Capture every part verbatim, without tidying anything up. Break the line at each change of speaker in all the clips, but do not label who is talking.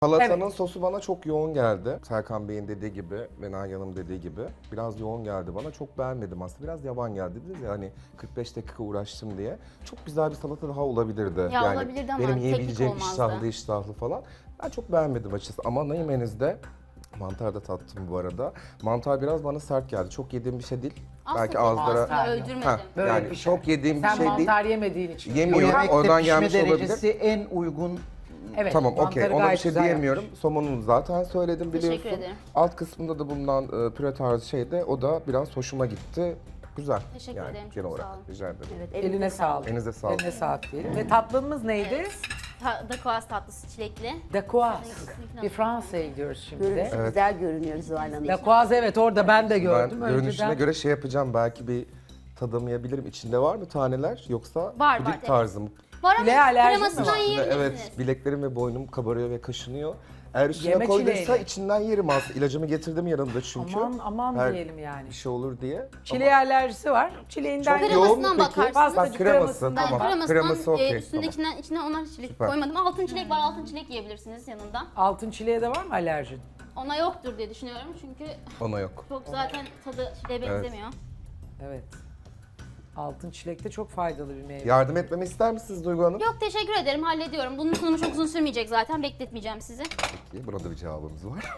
Salatanın
Evet.
sosu bana çok yoğun geldi. Serkan Bey'in dediği gibi ve Nagihan Hanım dediği gibi. Biraz yoğun geldi bana. Çok beğenmedim aslında. Biraz yavan geldi dediniz ya hani kırk beş dakika uğraştım diye. Çok güzel bir salata daha olabilirdi.
Ya olabilirdi ama
benim
teknik
yiyebileceğim
olmazdı.
iştahlı iştahlı falan. Ben çok beğenmedim açıkçası. Ama yemenizde mantar da tattım bu arada. Mantar biraz bana sert geldi. Çok yediğim bir şey değil.
Aslında
Belki ağızlara...
aslında öldürmedim.
Ha,
Böyle
yani
bir şey.
çok yediğim bir
Sen
şey değil.
mantar yemediğin için.
Yemiyorum.
Bu
Yok,
yemekte
oradan
pişme
gelmiş olabilir.
derecesi en uygun.
Evet,
Tamam, okey.
mantarı
Ona bir
gayet
şey
güzel
diyemiyorum.
yapmış.
Somonunu zaten söyledim
Teşekkür
biliyorsun.
ederim.
Alt kısmında da bulunan e, püre tarzı şey de o da biraz hoşuma gitti. Güzel.
Teşekkür
yani,
ederim, çok
genel
sağ
olarak.
olun.
Rica ederim.
Evet,
Eline sağlık.
Elinize sağlık.
Eline sağlık diyelim. Ve tatlımız neydi?
Ta- Dakoaz tatlısı çilekli.
Dakoaz. Bir Fransa'ya gidiyoruz şimdi
Görünüşü
de.
güzel görünüyor Zuhal Hanım.
Dakoaz evet orada ben de
Ben
gördüm.
görünüşüne
Önceden
göre şey yapacağım. Belki bir tadamayabilirim. İçinde var mı taneler yoksa
Var,
puding
var,
tarzı mı?
Var
Çileğe
ama
alerjin mi
kremasından
var?
yiyebilirsiniz.
Evet, bileklerim ve boynum kabarıyor ve kaşınıyor. Eğer üstüne
Yeme
koyduysa
çileğini.
içinden yerim aslında. İlacımı getirdim yanımda çünkü.
aman aman
Her
diyelim yani.
bir şey olur diye.
Çileğe alerjisi var. Çileğinden
Çok
Kremasından
yoğun mu peki?
bakarsınız.
Bak
Fazlacık
kreması,
kremasından
Ben
tamam.
kremasından
Kreması
e,
okey.
üstündekinden içine ona çilek
Süper.
koymadım. Altın çilek var, altın çilek yiyebilirsiniz yanında.
altın çileğe de var mı alerjin?
Ona yoktur diye düşünüyorum çünkü
Ona yok.
çok zaten tadı çileğe benzemiyor.
Evet. Altın çilek de çok faydalı bir meyve.
Yardım etmemi ister misiniz Duygu Hanım?
Yok teşekkür ederim, hallediyorum. Bunun sunumu çok uzun sürmeyecek zaten, bekletmeyeceğim sizi.
İyi, buna da bir cevabımız var.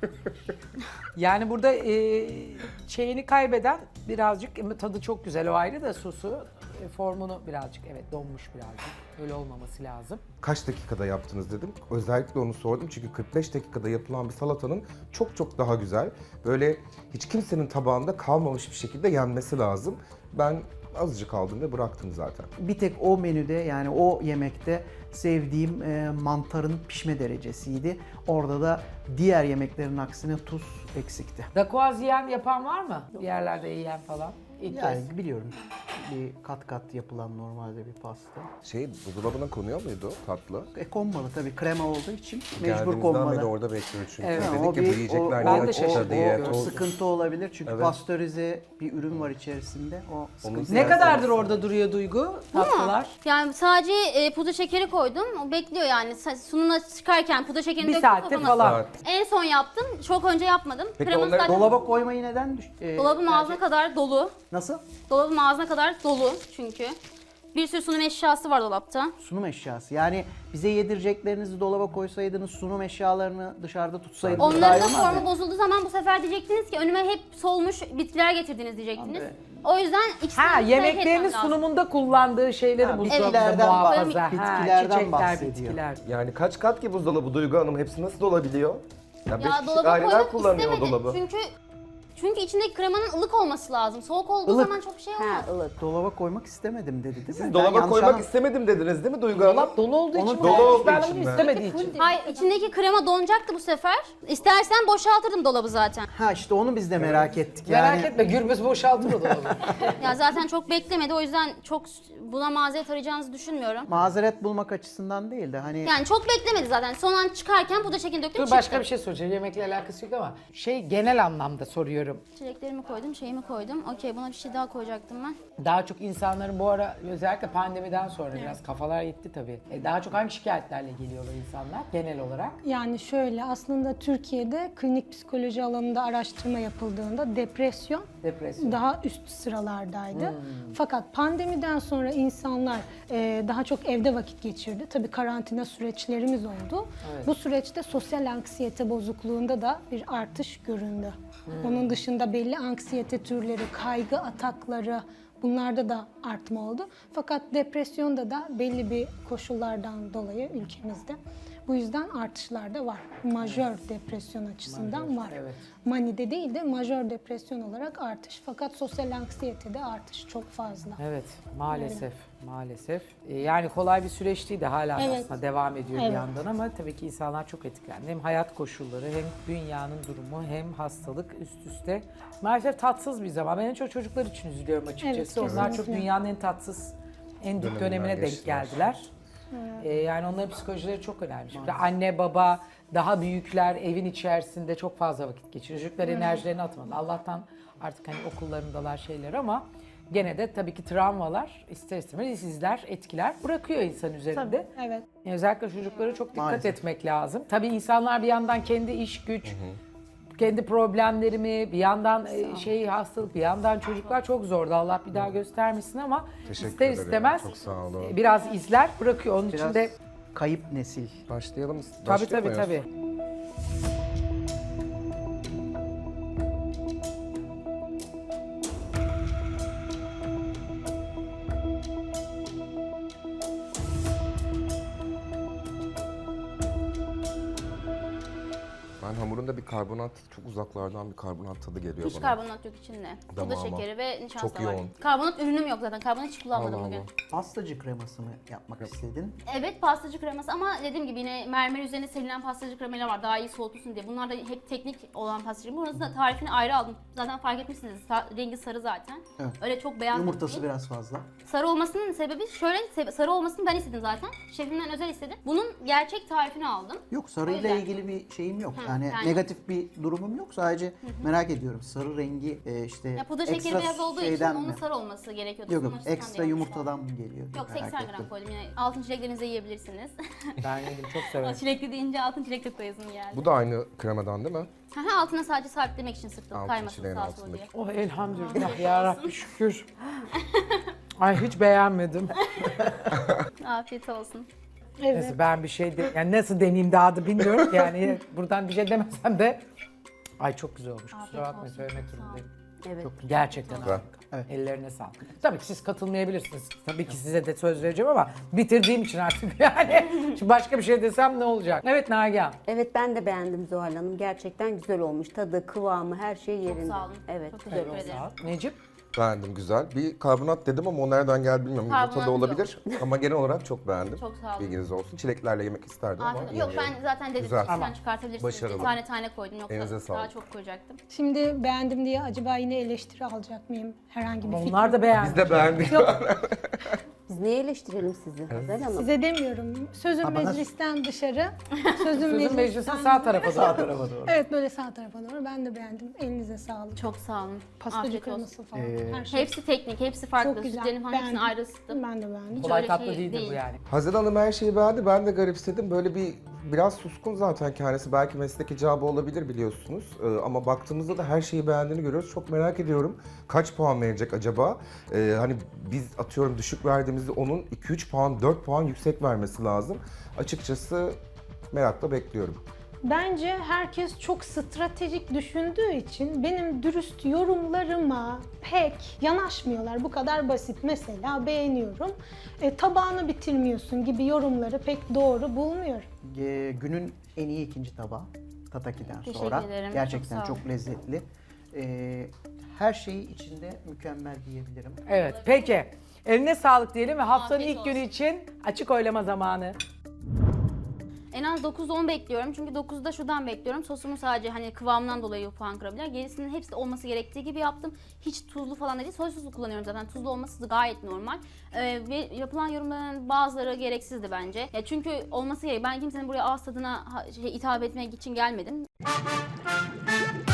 Yani burada e, şeyini kaybeden birazcık ama tadı çok güzel o ayrı da sosu e, formunu birazcık evet donmuş birazcık. Öyle olmaması lazım.
Kaç dakikada yaptınız dedim. Özellikle onu sordum çünkü kırk beş dakikada yapılan bir salatanın çok çok daha güzel. Böyle hiç kimsenin tabağında kalmamış bir şekilde yenmesi lazım. Ben azıcık aldım ve bıraktım zaten.
Bir tek o menüde yani o yemekte sevdiğim e, mantarın pişme derecesiydi. Orada da diğer yemeklerin aksine tuz eksikti.
Dakoaz yiyen yapan var mı? Bir yerlerde yiyen falan. İlk
Yani
kez.
biliyorum bir kat kat yapılan normalde bir pasta.
Şey, buzdolabına konuyor muydu tatlı?
E konmalı tabii krema olduğu için mecbur
Geldiğimizden beri
konmalı.
orada bekliyoruz çünkü.
Evet.
Ha,
Dedik
o
ki bu
bir-
yiyecekler
o-
ben
niye
de
açıkta
şaşırdım.
diye.
O
toz-
sıkıntı olabilir çünkü
Evet.
pastörize bir ürün var içerisinde. O sıkıntı.
Ne kadardır orada duruyor Duygu tatlılar?
Yani sadece e, pudra şekeri koydum, o bekliyor yani. Sa- Sunuma çıkarken pudra şekerini
Bir
döktüm
saatte
kafama.
falan.
Saat.
En son yaptım, çok önce yapmadım.
Peki
Kreması
onları
zaten-
Dolaba koymayı neden düş- e,
Dolabım
tercih-
ağzına kadar dolu.
Nasıl?
Dolabım ağzına kadar dolu çünkü. Bir sürü sunum eşyası var dolapta.
Sunum eşyası. Yani bize yedireceklerinizi dolaba koysaydınız, sunum eşyalarını dışarıda tutsaydınız daha
Onların
iyi
da
olmaz mı?
formu bozulduğu zaman bu sefer diyecektiniz ki önüme hep solmuş bitkiler getirdiniz diyecektiniz.
Abi.
O yüzden ikisini
Ha
ayırt
yemeklerinin
etmem lazım.
sunumunda kullandığı şeyleri
Ha,
buzdolabında
bitkilerden
muhafaza.
bahsediyor.
Ha,
Bitkilerden
çiçekler,
bahsediyor.
bitkiler.
Yani kaç kat ki buzdolabı Duygu Hanım? Hepsi nasıl dolabiliyor? Ya, beş
Ya
kişilik
dolaba
aileler
koymak
kullanıyor o
istemedim
dolabı.
çünkü çünkü içindeki kremanın ılık olması lazım. Soğuk olduğu
Ilık.
zaman çok bir şey olmaz.
Ha, ılık.
Dolaba koymak istemedim dedi değil mi?
Siz
Ben
dolaba
yanlış
koymak
anlam-
istemedim dediniz değil mi Duygu Hanım?
Dolap dolu olduğu için
Onu
mi?
dolu
koymuş?
olduğu
Ben
için
bunu
mi?
istemediği için.
Hayır, içindeki krema donacaktı bu sefer. İstersen boşaltırdım dolabı zaten.
Ha işte onu biz de merak ettik. Yani
Merak etme Gürbüz boşaltır o dolabı.
Ya zaten çok beklemedi, o yüzden çok buna mazeret arayacağınızı düşünmüyorum.
mazeret bulmak açısından değil de hani
Yani çok beklemedi zaten. Son an çıkarken pudra şekerini döktüm,
Dur
çıktı.
başka bir şey soracağım. Yemekle alakası yok ama şey genel anlamda soruyorum.
Çileklerimi koydum, şeyimi koydum. Okey, buna bir şey daha koyacaktım ben.
Daha çok insanların bu ara özellikle pandemiden sonra biraz kafalar gitti tabii. E, daha çok hangi şikayetlerle geliyorlar insanlar genel olarak?
Yani şöyle, aslında Türkiye'de klinik psikoloji alanında araştırma yapıldığında depresyon
Depresyon.
daha üst sıralardaydı. Fakat pandemiden sonra insanlar e, daha çok evde vakit geçirdi. Tabii karantina süreçlerimiz oldu.
Evet.
Bu süreçte sosyal anksiyete bozukluğunda da bir artış göründü. Onun dışında belli anksiyete türleri, kaygı atakları, bunlarda da artma oldu. Fakat depresyonda da belli bir koşullardan dolayı ülkemizde bu yüzden artışlar da var. Majör depresyon açısından var.
evet.
Manide değil de majör depresyon olarak artış. Fakat sosyal anksiyetede artış çok fazla.
Evet maalesef maalesef. E, yani kolay bir süreç değil de hala
Evet.
aslında devam ediyor bir
Evet.
yandan ama tabii ki insanlar çok etkilendi. Hem hayat koşulları hem dünyanın durumu hem hastalık üst üste. Maalesef tatsız bir zaman. Ben en çok çocuklar için üzülüyorum açıkçası.
Evet,
Onlar çok
kesinlikle.
dünyanın en tatsız, en dik
Döneminden
dönemine denk
geçtiler.
geldiler. Ee, yani onların psikolojileri çok önemli. Şimdi anne baba daha büyükler evin içerisinde çok fazla vakit geçiriyor. Çocuklar enerjilerini atmadı. Allah'tan artık hani okullarındalar şeyler ama gene de tabii ki travmalar ister istemez izler, etkiler bırakıyor insan üzerinde.
Evet.
Yani özellikle çocuklara çok dikkat
Maalesef.
etmek lazım. Tabii insanlar bir yandan kendi iş güç, kendi problemlerimi, bir yandan e, şey hastalık, bir yandan çocuklar çok zordu. Allah bir daha göstermesin ama
Teşekkür
ister
ederim.
istemez
Çok sağ olun.
e, biraz izler bırakıyor. Onun için
Biraz
de
kayıp nesil.
Başlayalım.
tabii
Başlıyor
tabii
muyuz?
tabii.
Ben hamurunda bir karbonat, çok uzaklardan bir karbonat tadı geliyor
Hiç
bana.
karbonat yok içinde. Pudra
Damağıma.
şekeri ve nişasta
Çok
var.
yoğun.
Karbonat ürünüm yok zaten. Karbonat hiç kullanmadım
Allah
bugün.
Allah.
Pastacı kreması mı yapmak istedin?
Evet pastacı kreması ama dediğim gibi yine mermer üzerine serilen pastacı kremalar var daha iyi soğutulsun diye. Bunlar da hep teknik olan pastacı. Bunun da tarifini ayrı aldım. Zaten fark etmişsiniz. Sa- rengi sarı zaten.
Evet.
Öyle çok beyaz
Yumurtası
değil.
biraz fazla.
Sarı olmasının sebebi şöyle, sebe- sarı olmasını ben istedim zaten. Şefimden özel istedim. Bunun gerçek tarifini aldım.
Yok
O
sarıyla
yüzden.
ilgili bir şeyim yok.
Hı,
yani,
yani-
negatif bir durumum yok. Sadece merak ediyorum. Sarı rengi e, işte
Ya pudra şekeri
ekstra
beyaz olduğu için
şeyden
onun
mi?
sarı olması gerekiyordu.
Yok
Sunum
yok
açısından
ekstra
değil.
yumurtadan mı geliyor?
Yok
Merak
seksen gram
ettim.
koydum yine. Altın çileklerinizi yiyebilirsiniz.
Ben yedim çok severim.
Çilekli deyince altın çilek de koyasım geldi.
Bu da aynı kremadan değil mi?
Haha, altına sadece sabitlemek için sıktım.
Altın
Kaymasın
çileğin
sağa sola
altındaki.
diye.
Oh elhamdülillah ya Rabbi şükür. Ay hiç beğenmedim.
Afiyet olsun.
Evet.
Neyse ben bir şey de, yani nasıl deneyeyim daha da bilmiyorum ki yani buradan bir şey demesem de. Ay çok güzel olmuş. Kusura
Afiyet
bakmayın
olsun.
söylemek
Sağ
durumundayım.
Evet.
Gerçekten
Güzel.
harika.
Evet.
Ellerine sağlık. Tabii ki siz katılmayabilirsiniz. Tabii ki size de söz vereceğim ama bitirdiğim için artık yani. Şimdi başka bir şey desem ne olacak? Evet Nagihan.
Evet ben de beğendim Zuhal Hanım. Gerçekten güzel olmuş. Tadı, kıvamı, her şey yerinde.
sağ olun.
Evet,
Çok
güzel
teşekkür
olmuş.
ederim.
Sağ ol. Necip.
Beğendim, güzel. Bir karbonat dedim ama o nereden geldi bilmiyorum.
Karbonat
Yumurta da olabilir ama genel olarak çok beğendim.
Çok sağ olun.
Bilginiz olsun. Çileklerle yemek isterdim ama
Afiyet olsun. Yok
yemiyorum.
ben zaten dedim
Güzel.
sen çıkartabilirsiniz.
Başarılı.
Bir tane tane koydum yoksa
Elinize
daha
sağlık.
çok koyacaktım.
Şimdi beğendim diye acaba yine eleştiri alacak mıyım? Herhangi bir
Onlar da beğendi.
Biz de beğendik.
Biz niye eleştirelim sizi Zuhal Hanım?
Size demiyorum. Sözün
Ha, bana-
meclisten dışarı. Sözün,
Sözün
meclisten
meclisin sağ tarafı
Sağ
da.
tarafa doğru.
Evet böyle sağ tarafa doğru. Ben de beğendim. Elinize sağlık.
Çok sağ olun.
Pastacı
Afiyet olsun.
kreması falan.
Ee,
her şey.
Hepsi teknik, hepsi farklı.
Çok güzel.
Sütlerin falan hepsini
Beğendim.
ayrı ısıttım.
Ben de beğendim.
Kolay
öyle
tatlı
şey
değildir
değil.
bu yani.
Hazel Hanım her şeyi beğendi. Ben de garipsedim. Böyle bir biraz suskun zaten kendisi. Belki meslek icabı olabilir biliyorsunuz. Ee, ama baktığımızda da her şeyi beğendiğini görüyoruz. Çok merak ediyorum. Kaç puan verecek acaba? Ee, hani biz atıyorum düşük verdiğimizde onun iki üç puan, dört puan yüksek vermesi lazım. Açıkçası merakla bekliyorum.
Bence herkes çok stratejik düşündüğü için benim dürüst yorumlarıma pek yanaşmıyorlar. Bu kadar basit. Mesela beğeniyorum. E, tabağını bitirmiyorsun gibi yorumları pek doğru bulmuyorum.
Ee, günün en iyi ikinci tabağı. Tataki'den
Teşekkür
sonra.
ederim,
Gerçekten
çok sağ
çok,
olun.
lezzetli. Ee, her şeyi içinde mükemmel diyebilirim.
Evet peki. Eline sağlık diyelim ve haftanın
Afiyet
ilk günü
olsun.
için açık oylama zamanı.
En az dokuz on bekliyorum çünkü dokuzda şuradan bekliyorum. Sosumu sadece hani kıvamından dolayı puan kırabilir. Gerisinin hepsi olması gerektiği gibi yaptım. Hiç tuzlu falan değil. Soy sosu kullanıyorum zaten. Tuzlu olması da gayet normal. Ee, ve yapılan yorumların bazıları gereksizdi bence. Ya çünkü olması gerek. Ben kimsenin buraya ağız tadına ha- şey, hitap etmek için gelmedim.